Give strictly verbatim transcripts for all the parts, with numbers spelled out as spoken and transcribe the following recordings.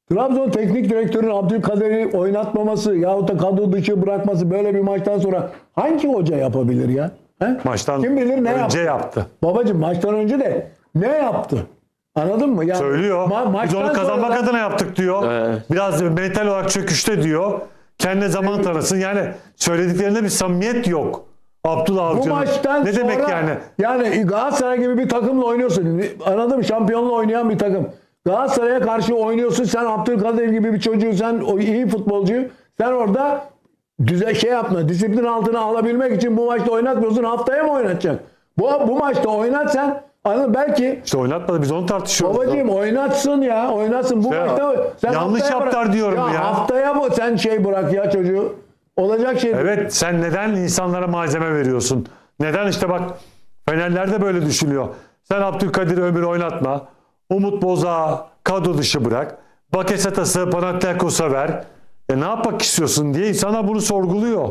Trabzon teknik direktörün Abdülkadir'i oynatmaması yahut da kadro dışı bırakması böyle bir maçtan sonra hangi hoca yapabilir ya? He? Maçtan Kim bilir ne önce yaptı? yaptı. Babacığım maçtan önce de ne yaptı? Anladın mı? Yani Söylüyor. ma- Biz maçtan onu kazanmak sonra da- adına yaptık diyor. Evet. Biraz mental olarak çöküşte diyor. Kendine zaman tanısın. Yani söylediklerinde bir samimiyet yok. Abdullah Bu Avcı'nın. maçtan Ne sonra demek yani? yani Galatasaray gibi bir takımla oynuyorsun. Anladın mı? Şampiyonla oynayan bir takım. Galatasaray'a karşı oynuyorsun. Sen Abdülkadir gibi bir çocuğu, sen o iyi futbolcuyu, sen orada düze şey yapma. Disiplin altına alabilmek için bu maçta oynatmıyorsun. Haftaya mı oynatacak? Bu, bu maçta oynat sen. Anladın, belki İşte oynatmadı. Biz onu tartışıyoruz. babacığım oynatsın ya. Oynatsın. Bu Ya, maçta sen yanlış haftaya yaptılar bırak. diyorum ya. Haftaya mı sen şey bırak ya çocuğu? Olacak şey değil. Evet, sen neden insanlara malzeme veriyorsun? Neden işte bak Fenerler de böyle düşünüyor. Sen Abdülkadir Ömür oynatma. Umut Boz'a kadro dışı bırak. Bakasetas'ı Panathinaikos'a ver. E ne yapmak istiyorsun diye insanlar bunu sorguluyor.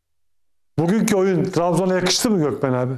Bugünkü oyun Trabzon'a yakıştı mı Gökmen abi?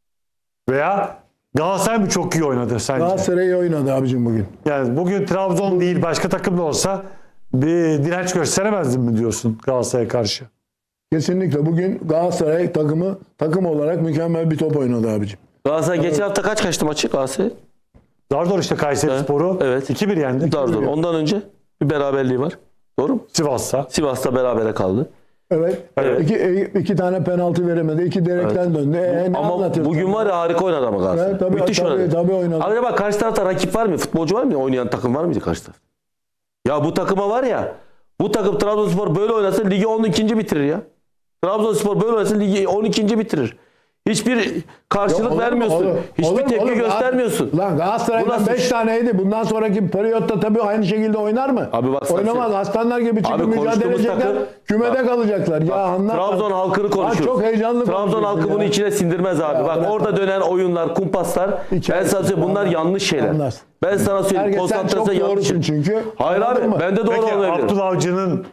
Veya Galatasaray mı çok iyi oynadı sence? Galatasaray iyi oynadı abicim bugün. Yani bugün Trabzon değil başka takım da olsa bir direnç gösteremezdin mi diyorsun Galatasaray'a karşı? Kesinlikle bugün Galatasaray takımı takım olarak mükemmel bir top oynadı abicim. Galatasaray geçen hafta kaç kaçtı maçı Galatasaray? Zardor işte Kayseri Evet. Sporu Evet. iki bir yendi. Zar zor. Ondan önce bir beraberliği var. Doğru mu? Sivas'ta. Sivas'ta berabere kaldı. Evet. Evet. İki, iki tane penaltı veremedi. İki direkten döndü. E, ne Ama anlatıyorsun? bugün var ya harika oynadı ama Galatasaray. Evet, tabii, Müthiş tabii, oynadı. tabii oynadı. Abi bak karşı tarafta rakip var mı? Futbolcu var mı? Oynayan takım var mıydı karşı tarafta? Ya bu takıma var ya, bu takım Trabzonspor böyle oynasa ligi on ikinci bitirir ya. Trabzonspor böyle oynasa ligi on ikinci bitirir. Hiçbir karşılık Olur mu? vermiyorsun. Olur. Hiçbir Olur mu? tepki Olur. göstermiyorsun. Lan Bu Galatasaray'dan nasıl beş iş? taneydi. Bundan sonraki periyotta tabii aynı şekilde oynar mı? Abi bak sen- Oynamaz. Aslanlar gibi çıkıp Abi mücadele konuştuğumuz edecekler. takım- Kümede Bak- kalacaklar. Ya anlat. Trabzon halkını konuşuyoruz. çok heyecanlı Trabzon konuşuyorsun halkı bunu ya. içine sindirmez abi. Ya Bak bırak orada abi. dönen oyunlar, kumpaslar. Hikaye- Ben sana söyleyeyim bunlar Anlar. yanlış şeyler. Anlar. Ben sana söyleyeyim Herkes sen çok konsantrasyon yanlış. doğrusun çünkü. Hayır Anladın abi mı? ben de doğru Peki olabilirim. Abdullah Avcı'nın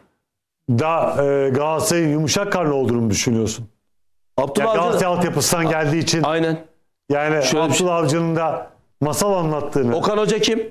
da e, Galatasaray'ın yumuşak karnı olduğunu mu düşünüyorsun? Abdullah Yani Avcı- Galatasaray altyapısından geldiği için Aynen. yani Şöyle bir şey- Abdullah Avcı'nın da masal anlattığını Okan Hoca kim?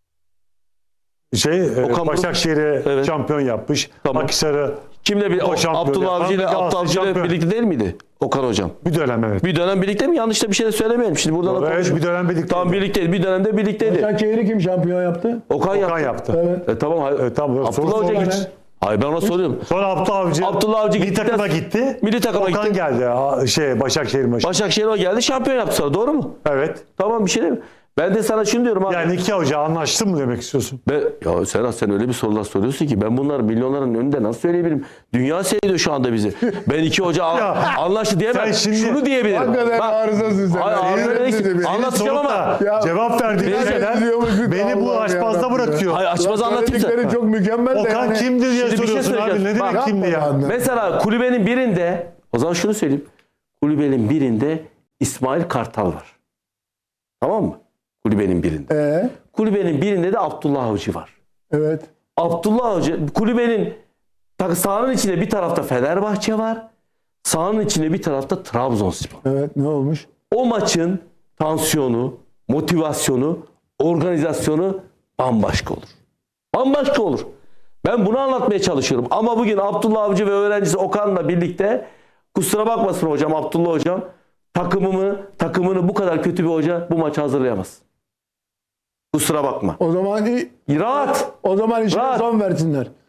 şey e, Okan Buruk. Başakşehir'i Evet. şampiyon yapmış. Tamam. Akhisar'ı Kimle bir O şampiyon Abdullah yapan Avcı ile bir Galatasaray Abdullah Avcı ile şampiyon. birlikte değil miydi? Okan Hocam. bir dönem evet. Bir dönem birlikte mi? Yanlış da bir şey de söylemeyelim. Şimdi buradan da Evet, konuşalım. bir dönem birlikte. Tamam birlikteydi. Bir dönemde birlikteydi. Başakşehir'i kim şampiyon yaptı? Okan, Okan yaptı. yaptı. Evet. E, tamam. hayır. Evet, tamam. Abdullah Soru Hoca sorma gitti. ne? Hayır ben ona soruyorum. Sonra Abdullah Avcı, Abdullah Avcı milli gittikten- takıma gitti. Milli takıma Okan gitti. geldi. Ha, Şey Başakşehir maçı. Başakşehir o geldi şampiyon yaptı sonra. Doğru mu? Evet. Tamam bir şey değil mi? Ben de sana şunu diyorum abi. Yani iki hoca anlaştı mı demek istiyorsun? Ben, ya Serhat sen öyle bir sorular soruyorsun ki ben bunları milyonların önünde nasıl söyleyebilirim? Dünya seyrediyor şu anda bizi. Ben iki hoca a- Ya, anlaştı diyemem. sen şimdi- Şunu diyebilirim. Hakikaten Bak, arızasın sen. Hayır, Yemin arıza değil. ederim. Anlatacağım ama. Sorup da Ya, cevap verdiğin Neyse, şeyler diyormuşsun, beni bu Allah'ım açmazda yarabbim ya. bırakıyor. Hayır açmaz anlatayım Söyledikleri sana. çok mükemmel de Okan yani. kimdi diye Şimdi bir şey soruyorsun abi. söyleyeceğim. Ne demek Bak, kimdi ya? yapma lan. Mesela kulübenin birinde o zaman şunu söyleyeyim. Kulübenin birinde İsmail Kartal var. Tamam mı? Kulübenin birinde. Ee, Kulübenin birinde de Abdullah Avcı var. evet. Abdullah Avcı kulübenin tak- sahanın içinde bir tarafta Fenerbahçe var. Sahanın içinde bir tarafta Trabzonspor. Evet, ne olmuş? O maçın tansiyonu, motivasyonu, organizasyonu bambaşka olur. Bambaşka olur. Ben bunu anlatmaya çalışıyorum. Ama bugün Abdullah Avcı ve öğrencisi Okan'la birlikte kusura bakmasın hocam Abdullah hocam takımımı, takımını bu kadar kötü bir hoca bu maçı hazırlayamaz. Kusura bakma. O zaman Rahat. o zaman işine Rahat. son versinler.